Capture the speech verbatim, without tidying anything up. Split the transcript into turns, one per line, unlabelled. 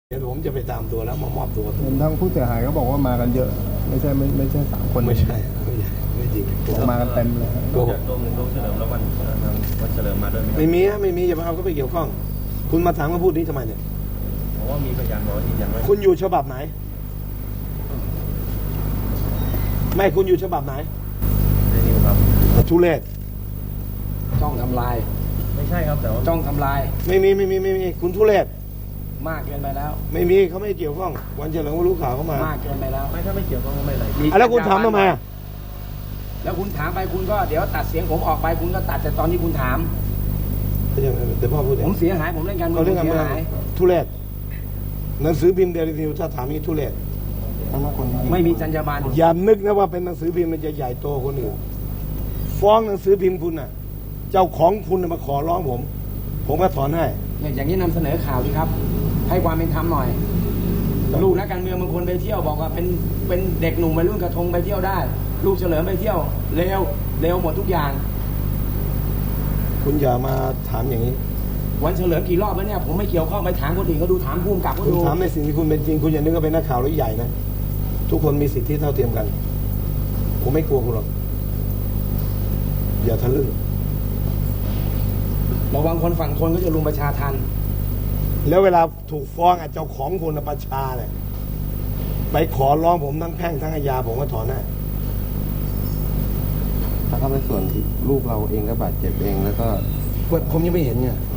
เดี๋ยวผมจะไปตามตัวแล้วมามอบตัว
ทางผู้เสียหายก็บอกว่ามากันเยอะไม่ใช่ไม่ไม่ใช่สามคน
ไม่ใช่ไม่ใช่ไม่จริง
มากันเต็มเลย
โกห
จาก
ก
ตรงตรงเฉลิมแล้ววันวันเฉลิมมาด้วยไหม
ไม่มีฮะไม่มีอย่ามาเอาก็ไปเกี่ยวข้อง คุณมาถามมาพูดนี้ทำไมเนี่ย
เพราะว่ามีพยานบอกยืนยันว่า
คุณอยู่ฉบับไหน ไม่คุณอยู่ฉบับไหน
ในนิวครับ
ทุเรศ
จ้องทำลาย
ไม่ใช่ครับแต่ว่า
จ้องทำลาย
ไม่มีไม่มีไม่มีคุณทุเรศ
มากเกินไปแล้ว
ไม่มีเขาไม่เกี่ยวข้อง วันเฉลิมก็รู้ข่าวเข้ามาม
ากเกินไปแล้ว
ไม่ถ้าไม่เกี่ยวข้องก็ไม่เป็นไร
มี
อ่ะแล้วคุณถามทำไมอ่ะ
แล้วคุณถามไปคุณก็เดี๋ยวตัดเสียงผมออกไปคุณก็ตัดแต่ตอนที่คุณถาม
เดี๋ยวพ่อพูดเอ
ผ
ง
มเสียหายผมเล่นการเมือ
เขา
ง
เรื่อง
ผ
กัน
มเสี
มาย
หาย
ทุเรศหนังสือพิมพ์เดลินิวถ้าถามนี้ทุเรศ
ไม่มีจรรยาบรรณ
อย่านึกนะว่าเป็นหนังสือพิมพ์มันจะใหญ่โตคนอื่นฟ้องหนังสือพิมพ์คุณน่ะ เจ้าของคุณน่ะมาขอร้องผม ผมก็ถอนให้
เนี่ยอย่างนี้นำเสนอข่าวดีครับ ให้ความเป็นธรรมหน่อย ลูกนักการเมืองบางคนไปเที่ยวบอกว่าเป็นเป็นเด็กหนุ่มวัยรุ่นกระทงไปเที่ยวได้ ลูกเฉลิมไปเที่ยวเร็วเร็วหมดทุกอย่าง
คุณอย่ามาถามอย่างนี้
วันเฉลิมกี่รอบแล้วเนี่ยผมไม่เกี่ยวข้องไปถามคนอื่นก็ดูถามภูมิกับก็
คุณ
ดู
ถามในสิ่งที่คุณเป็นจริง คุณอย่านึกว่าเป็นนักข่าวหรือใหญ่นะ ทุกคนมีสิทธิเท่าเทียมกัน ผมไม่กลัวคุณหรอก อย่าทะลึ่ง
ระวังคนฝั่งทนก็จะรุมประชาทัน
แล้วเวลาถูกฟ้องอ่ะเจ้าของคุณน่ะประชาเนี่ยไปขอร้องผมทั้งแพ่งทั้งอาญาผมก็ถอนได้
ถ้าในส่วนที่ลูกเราเองก็บาดเจ็บเองแล้วก็
ผมยังไม่เห็นไง